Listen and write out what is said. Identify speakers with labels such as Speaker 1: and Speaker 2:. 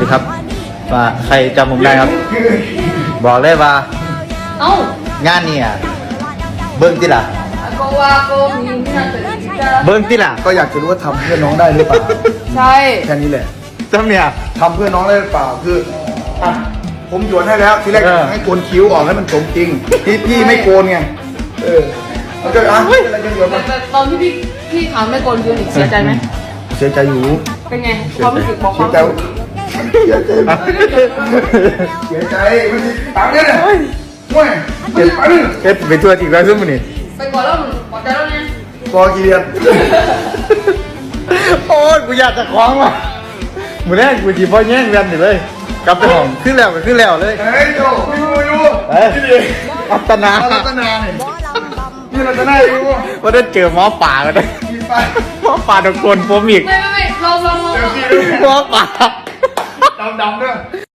Speaker 1: ครับว่าใครจำผมได้ครับ บอกเลยว่า
Speaker 2: เอ้าง
Speaker 1: านเนี่ยเบิ้งที่ล่ะ
Speaker 2: ก็ว่าก็มีที่นั่นแต่ที่จะ
Speaker 1: เบิ้งที่ล่ะ
Speaker 3: ก็อยากจะรู้ว่าทำเพื่อน้องได้หรือเปล่า
Speaker 2: ใช่
Speaker 3: แค่นี้แหละ
Speaker 1: จำเนี่ย
Speaker 3: ทำเพื่อน้องได้หรือเปล่าคืออ่ะผมหยวนให้แล้วทีแรก ให้โกนคิ้วออกให้มันสมจริงพี่ไม่โกนไงมันก็อะไรกันหยวนมัน
Speaker 2: แต่ตอนที่พี่ถามไม่โกนคือหนิเสียใจไหม
Speaker 3: เสียใจอยู่
Speaker 2: เป็นไงความรู้สึกบอกค
Speaker 3: เสี
Speaker 2: วาย ม
Speaker 3: ใจ
Speaker 2: รู้สึก
Speaker 3: เสียใจไม่ใช่ตังค์เนี่ยห่วยเจ็บปัง
Speaker 1: เฮ็ดไปทั่วทีแล้วซึ่งมันนี่
Speaker 2: ไปก่อนแล้วพอใจแล้วเนี่ย
Speaker 3: พอกี่เดือน
Speaker 1: โอ้ยกูอยากจะคล้องว่ะมือแรกกูจีบพ่อแย่งกันอยู่เลยกลับไปห้องขึ้นแล้วก็ขึ้นแล้วเลย
Speaker 3: เฮ้ยโจไม่รู้
Speaker 1: เฮ้ยอัตนา
Speaker 3: รัตนาเนี่ยนี่รัตนาอยู่
Speaker 1: ว่าได้เจอหมอป่ากันเลย
Speaker 3: มีไป
Speaker 1: หมอป่าตะโกนผมอีก
Speaker 2: ไม่ลอง
Speaker 3: เจอพี่
Speaker 1: หมอป่า
Speaker 3: ดำๆด้วย